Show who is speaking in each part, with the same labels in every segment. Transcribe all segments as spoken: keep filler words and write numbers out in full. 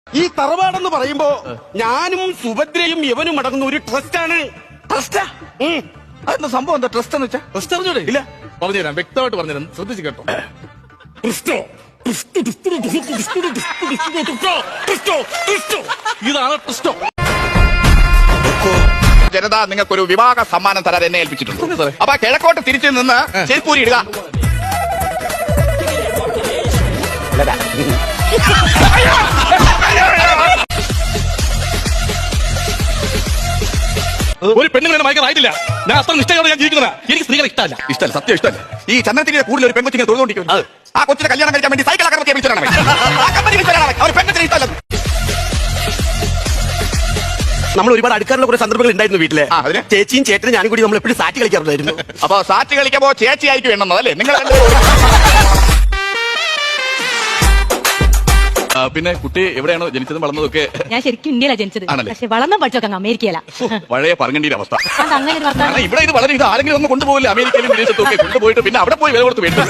Speaker 1: ഈ തറവാടെന്ന് പറയുമ്പോ ഞാനും സുഭദ്രയും യവനും അടങ്ങുന്ന ഒരു ട്രസ്റ്റാണ്.
Speaker 2: ട്രസ്റ്റാ? അതെന്താ സംഭവം? എന്താ ട്രസ്റ്റ് എന്ന് വെച്ചാ?
Speaker 1: ട്രസ്റ്റ് അറിഞ്ഞൂടെ?
Speaker 2: ഇല്ല, പറഞ്ഞുതരാം, വ്യക്തമായിട്ട് പറഞ്ഞുതരാം, ശ്രദ്ധിച്ച് കേട്ടോ.
Speaker 1: ഇതാണ് ട്രസ്റ്റോ.
Speaker 2: ജനത നിങ്ങൾക്കൊരു വിവാഹ സമ്മാനം തരാൻ എന്നെ ഏൽപ്പിച്ചിട്ടുണ്ട്. അപ്പൊ കിഴക്കോട്ട് തിരിച്ചു നിന്ന് ചെരുപ്പൂരി ഇടുക.
Speaker 1: ഒരു പെണ്ണുങ്ങളെ മയക്കാറായിട്ടില്ല. ഞാൻ അത്ര നിഷ്ഠയോടെ ഞാൻ ജീവിക്കുന്നതാ. എനിക്ക് സ്ത്രീകളെ ഇഷ്ടമല്ല.
Speaker 2: ഇഷ്ടമല്ല, സത്യം ഇഷ്ടമല്ല. ഈ ചന്ദ്രത്തിന്റെ കൂടുതൽ ഒരു പെൺകൊച്ചിങ്ങനെ തൊഴുകൊണ്ടിരിക്കുന്നു. ആ കൊച്ചിനെ കല്യാണം കഴിക്കാൻ വേണ്ടി സൈക്കിൾ അകർത്തിയെ വിളിച്ചാണ് അവർ പെൺകൊച്ചിനെ ഇഷ്ടമല്ല.
Speaker 1: നമ്മൾ ഒരുപാട് അടുക്കാറുള്ള കുറെ സന്ദർഭങ്ങൾ ഉണ്ടായിരുന്നു വീട്ടിലെ. ചേച്ചിയും ചേട്ടനും ഞാനും കൂടി നമ്മൾ എപ്പോഴും സാറ്റ് കളിക്കാറുണ്ടായിരുന്നു.
Speaker 2: അപ്പൊ സാറ്റ് കളിക്കുമ്പോ ചേച്ചി ആയിരിക്കും എണ്ണുന്നത് അല്ലേ നിങ്ങൾ? പിന്നെ കുട്ടി എവിടെയാണോ ജനിച്ചതും വളർന്നതൊക്കെ?
Speaker 3: ഞാൻ ശരിക്കും ഇന്ത്യയിലാണ് ജനിച്ചത്, പക്ഷെ വളർന്ന പഠിച്ചൊക്കെ അങ്ങ് അമേരിക്കയില.
Speaker 2: പഴയ പറങ്ങണ്ടിയുടെ അവസ്ഥ.
Speaker 3: അങ്ങനെ ഒരു വർത്തമാനം.
Speaker 2: ഇവിടെ ഇത് വളരെ ഇത് ആരെങ്കിലും ഒന്ന് കൊണ്ടുപോകില്ല, അമേരിക്കയിലും വിദേശത്തും ഒക്കെ കൊണ്ടുപോയിട്ട് പിന്നെ അവിടെ പോയി വില കൊടുത്ത് വേണ്ടി.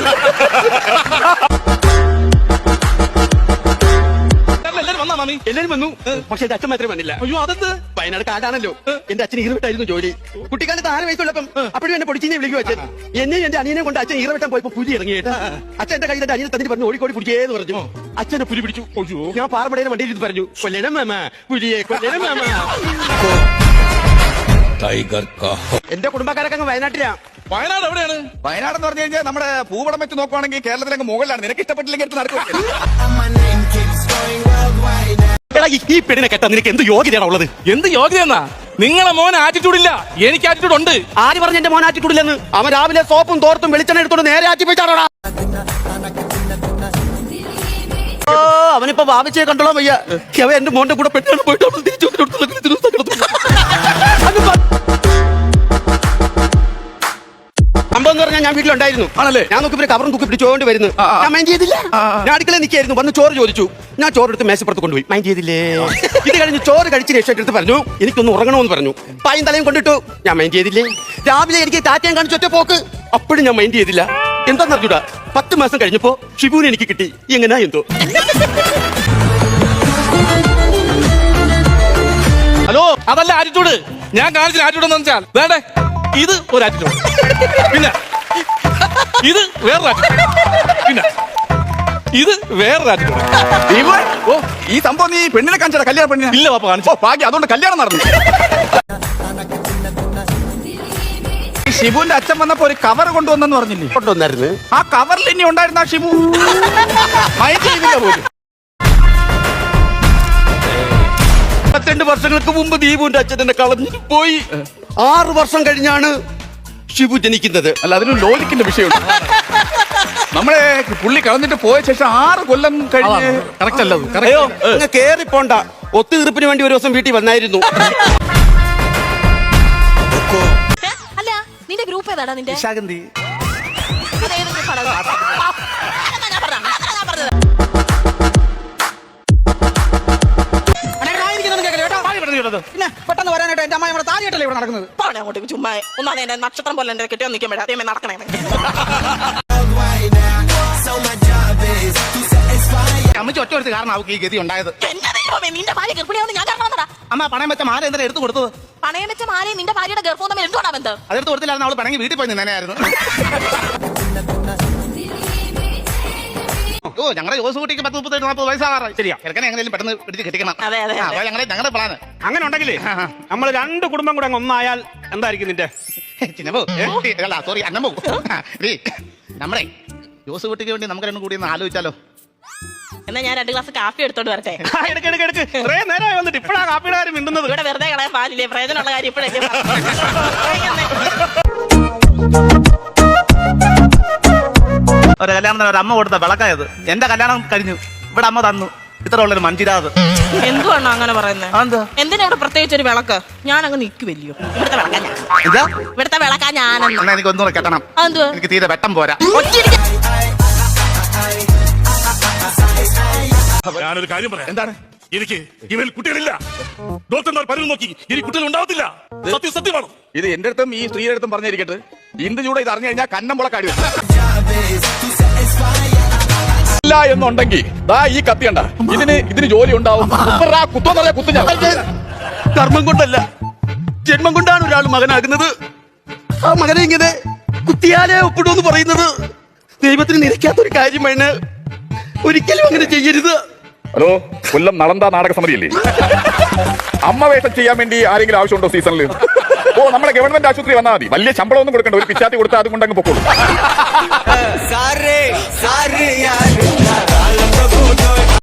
Speaker 1: എല്ലാരും വന്നു, പക്ഷെ എന്റെ അച്ഛൻ മാത്രമേ വന്നില്ല. അയ്യോ, അതെന്ത്? വയനാട് കാടാണല്ലോ. എന്റെ അച്ഛൻ ഈറവിട്ടായിരുന്നു ജോലി. കുട്ടിക്കാലത്ത് ആറ് വയസ്സുള്ളപ്പം അപ്പോഴും എന്നെ പൊടിച്ചിനെ വിളിക്കും അച്ഛൻ. എന്നെ എന്റെ അനിയനെ കൊണ്ട് അച്ഛൻ ഈറവിട്ടാൻ പോയപ്പോ പുലി ഇറങ്ങിയിട്ട് അച്ഛൻ എന്റെ കയ്യിൽ എന്റെ അനിയനെ തന്നിട്ട് പറഞ്ഞു ഓടിക്കോടി പിടിച്ചേന്ന് പറഞ്ഞു. അച്ഛനെ പുലി പിടിച്ചു. ഞാൻ പാറമടയുടെ വണ്ടിയിൽ ഇത് പറഞ്ഞു, കൊല്ലണം മാമ, പുലിയെ കൊല്ലണം മാമ. എന്റെ കുടുംബക്കാരൊക്കെ അങ്ങ് വയനാട്ടിലാ.
Speaker 2: വയനാട് എവിടെയാണ്? വയനാട് എന്ന് പറഞ്ഞു കഴിഞ്ഞാൽ നമ്മുടെ ഭൂപടം വെച്ച് നോക്കുവാണെങ്കിൽ കേരളത്തിലേക്ക് മുകളിലാണ്. നിനക്ക് ഇഷ്ടപ്പെട്ടില്ലെങ്കിൽ എടുത്ത് നടക്കും.
Speaker 1: ഈ പെണ്ണിനെ കേട്ടാ നിനക്ക് എന്ത് യോഗ്യതയാണ് ഉള്ളത്?
Speaker 4: എന്ത് യോഗ്യതെന്നാ? നിങ്ങളെ മോൻ ആറ്റിറ്റ്യൂഡ് ഇല്ല, എനിക്ക് ആറ്റിറ്റ്യൂഡ് ഉണ്ട്.
Speaker 1: ആര് പറഞ്ഞ എന്റെ മോൻ ആറ്റിറ്റ്യൂഡ് ഇല്ലെന്ന്? അവൻ രാവിലെ സോപ്പും തോർത്തും വെളിച്ചെണ്ണ എടുത്തോണ്ട് നേരെ ആറ്റി പോയിട്ടാണോടാ. അവനിപ്പോ ഭാവിച്ചേ കണ്ടോളാം വയ്യ. അവ എന്റെ മോന്റെ കൂടെ പെട്ടാണ് പോയിട്ട് തിരിച്ചു സംഭവം എന്ന് പറഞ്ഞാൽ ഞാൻ വീട്ടിലുണ്ടായിരുന്നു.
Speaker 2: ആണല്ലേ?
Speaker 1: ഞാൻ നോക്കി കവറും തൂക്കി പിടിച്ചോണ്ട് വരുന്നു. ഞാൻ മൈൻഡ് ചെയ്തില്ല. ഞാൻ അടുക്കളയിൽ നിൽക്കായിരുന്നു. വന്ന് ചോറ് ചോദിച്ചു. ഞാൻ ചോറ് എടുത്ത് മേശപ്പുറത്ത് കൊണ്ടുപോയി. മൈൻഡ് ചെയ്തില്ലേ? ഇത് കഴിഞ്ഞ് ചോറ് കഴിച്ച് രക്ഷ എടുത്ത് പറഞ്ഞു എനിക്കൊന്ന് ഉറങ്ങണമെന്ന് പറഞ്ഞു. പായും തലയും കൊണ്ടിട്ടു. ഞാൻ മൈൻഡ് ചെയ്തില്ലേ? രാവിലെ എനിക്ക് താറ്റയും കാണിച്ച് ഒറ്റ പോക്ക്. അപ്പോഴും ഞാൻ മൈൻഡ് ചെയ്തില്ല. എന്താന്ന് അറിഞ്ഞൂടാ, പത്ത് മാസം കഴിഞ്ഞപ്പോ ഷിബുവിനെ എനിക്ക് കിട്ടി. എങ്ങനാ എന്തോ.
Speaker 4: ഹലോ, അതല്ല ആറ്റിറ്റ്യൂഡ്. ഞാൻ കാണിച്ച ആറ്റിറ്റ്യൂഡ് എന്ന് വെച്ചാൽ വേണ്ടേ, ഇത് ഒരു ആറ്റിറ്റ്യൂഡ്, പിന്നെ ഇത് വേറൊരു ആറ്റിറ്റ്യൂഡ്, പിന്നെ ഇത് വേറൊരു ആറ്റിറ്റ്യൂഡ്.
Speaker 2: ഓ, ഈ സംഭവം നീ പെണ്ണിനെ കാണിച്ചാ? കല്യാണ പെണ്ണിനെ
Speaker 4: ഇല്ല പാപ്പ കാണിച്ചോ.
Speaker 2: ഭാഗ്യം, അതുകൊണ്ട് കല്യാണം നടന്നു. ഷിബുവിന്റെ അച്ഛൻ വന്നപ്പോ ഒരു കവർ കൊണ്ടുവന്നെന്ന് പറഞ്ഞില്ലേ?
Speaker 1: കൊണ്ടുവന്നായിരുന്നു.
Speaker 2: ആ കവറിൽ ഇനി ഉണ്ടായിരുന്ന ഷിബു മൈൻഡ് ചെയ്തില്ല പോലും.
Speaker 1: പത്തിരണ്ട് വർഷങ്ങൾക്ക് മുമ്പ് ദീപുവിന്റെ അച്ഛൻ എന്നെ കളഞ്ഞിട്ട് പോയി. ആറ് വർഷം കഴിഞ്ഞാണ് ഷിബു ജനിക്കുന്നത്.
Speaker 2: അല്ല, അതിന് ലോജിക്കിന്റെ വിഷയമുണ്ട്. നമ്മളെ പുള്ളി കളഞ്ഞിട്ട് പോയ ശേഷം ആറ് കൊല്ലം കഴിഞ്ഞ്
Speaker 4: കറക്റ്റ് അല്ലത്.
Speaker 1: അയ്യോ, കേറി പോണ്ട. ഒത്തുതീർപ്പിന് വേണ്ടി ഒരു ദിവസം വീട്ടിൽ വന്നായിരുന്നു.
Speaker 3: അല്ല, നിന്റെ ഗ്രൂപ്പ് ഏതാടാ? നിന്റെ
Speaker 1: ശാഗന്തി.
Speaker 5: പിന്നെ പെട്ടെന്ന് വരാനായിട്ട് എന്റെ അമ്മ നമ്മുടെ താലിയായിട്ടല്ലേ ഇവിടെ നടക്കുന്നത്?
Speaker 6: അങ്ങോട്ട് ചുമ്മാ ഒന്നാ എന്റെ നക്ഷത്രം പോലെ എന്റെ കെട്ടിയോ നിൽക്കാൻ വേണ്ടി അതേ നടക്കണേ.
Speaker 5: അമ്മച്ചി ഒറ്റ എടുത്ത് കാരണം അവർക്ക് ഈ ഗതി ഉണ്ടായത്.
Speaker 6: എന്റെ ദൈവമേ, നിന്റെ ഭാര്യ ഗർഭിണിയാവുന്ന ഞാൻ കാണാൻ.
Speaker 5: അമ്മ പണയം വെച്ച മാല എന്തിനാ എടുത്തു കൊടുത്തത്?
Speaker 6: പണയം വെച്ച മാലയും നിന്റെ ഭാര്യയുടെ ഗർഭവും തമ്മിൽ എന്തുകൊണ്ടാ ബന്ധം?
Speaker 5: അതെടുത്ത് കൊടുത്തില്ലായിരുന്നു. അവള് പണങ്ങി വീട്ടിൽ പോയി നിന്നായിരുന്നു. ഓ, ഞങ്ങളുടെ ജോസ് കുട്ടിക്ക് പത്ത് മുപ്പത്തി നാൽപ്പത് വയസ്സാകാറായി. ശരിയാ, ചെറുക്കനെ എങ്ങനെയും പെട്ടെന്ന് പിടിച്ച് കെട്ടിക്കണം.
Speaker 6: അതെ അതെ.
Speaker 5: അപ്പൊ ഞങ്ങളെ ഞങ്ങളുടെ പ്ലാന്
Speaker 1: അങ്ങനെ ഉണ്ടെങ്കിലേ നമ്മൾ രണ്ട് കുടുംബം കൂടെ അങ്ങ് ഒന്നായാൽ എന്തായിരിക്കും നിന്റെ?
Speaker 5: ചിന്നപ്പോ സോറി അന്നമ്മോ, നമ്മളെ ജോസ് കുട്ടിക്ക് വേണ്ടി നമുക്ക് രണ്ടും കൂടി ഒന്ന് ആലോചിച്ചാലോ?
Speaker 6: എന്നാ ഞാൻ രണ്ട് ഗ്ലാസ് കാപ്പി എടുത്തോണ്ട് വരട്ടെ?
Speaker 1: എടുക്ക് എടുക്ക് എടുക്ക്. ഇത്രയും നേരമായി വന്നിട്ട് ഇപ്പഴാ കാപ്പിയുടെ കാര്യം മിണ്ടുന്നത്.
Speaker 6: ഇവിടെ വെറുതെ കളയാൻ പാലില്ലേ? പ്രയോജനമുള്ള കാര്യം ഇപ്പോഴല്ലേ.
Speaker 5: ഒരു കല്യാണത്തിന് ഒരു അമ്മ കൊടുത്ത വിളക്കായത്. എന്റെ കല്യാണം കഴിഞ്ഞു, ഇവിടെ അമ്മ തന്നു ഇത്ര ഉള്ളൊരു മഞ്ചിരാത്.
Speaker 6: എന്തുവാണോ അങ്ങനെ പറയുന്നത്? എന്തിനാ ഇവിടെ പ്രത്യേകിച്ച് ഒരു വിളക്ക്? ഞാൻ അങ്ങ് നിൽക്കുവല്ലോ. ഇവിടുത്തെ വിളക്കാ ഞാൻ.
Speaker 5: ഇതാ
Speaker 6: ഇവിടുത്തെ വിളക്കാ ഞാനെന്ന്.
Speaker 5: എനിക്ക് ഒന്നുകൂടെ കെട്ടണം.
Speaker 6: എന്തുവാ?
Speaker 5: എനിക്ക് തീരെ വെട്ടം പോരാ.
Speaker 4: ഞാനൊരു കാര്യം പറയാം.
Speaker 2: എന്താണ്?
Speaker 4: എനിക്ക് ഇവയിൽ കുട്ടികളില്ല. ഡോക്ടർമാർ പലരും നോക്കി ഇനി കുട്ടികൾ ഉണ്ടാവത്തില്ല. സത്യം സത്യമാണോ?
Speaker 2: ഇത് എന്റെ അടുത്തും ഈ സ്ത്രീയുടെ അടുത്തും പറഞ്ഞിരിക്കട്ടെ. ഇന്ദു ചൂടെ ഇത് അറിഞ്ഞു കഴിഞ്ഞാൽ കന്നം മുളക്കാടി. ഇല്ല എന്നുണ്ടെങ്കിൽ ദാ ഈ കത്തി കണ്ട ഇതിന് ഇതിന് ജോലി ഉണ്ടാവും ആ കുത്തോന്നറിയാ കുത്തു ഞാൻ
Speaker 1: കർമ്മം കൊണ്ടല്ല ജന്മം കൊണ്ടാണ് ഒരാൾ മകനാകുന്നത്. ആ മകനെ ഇങ്ങനെ കുത്തിയാലേ ഒപ്പിടുമെന്ന് പറയുന്നത് ദൈവത്തിന് നിരക്കാത്തൊരു കാര്യമാണ്. ഒരിക്കലും അങ്ങനെ ചെയ്യരുത്.
Speaker 2: ഹലോ, കൊല്ലം നളന്ത നാടക സമിതിയല്ലേ? അമ്മ വേഷം ചെയ്യാൻ വേണ്ടി ആരെങ്കിലും ആവശ്യമുണ്ടോ സീസണിൽ? ഓ, നമ്മുടെ ഗവൺമെന്റ് ആശുപത്രി വന്നാൽ മതി. വലിയ ശമ്പളം ഒന്നും കൊടുക്കണ്ട, ഒരു പിച്ചാത്തി കൊടുത്താൽ അതുകൊണ്ട് അങ്ങ് പൊക്കോളൂ.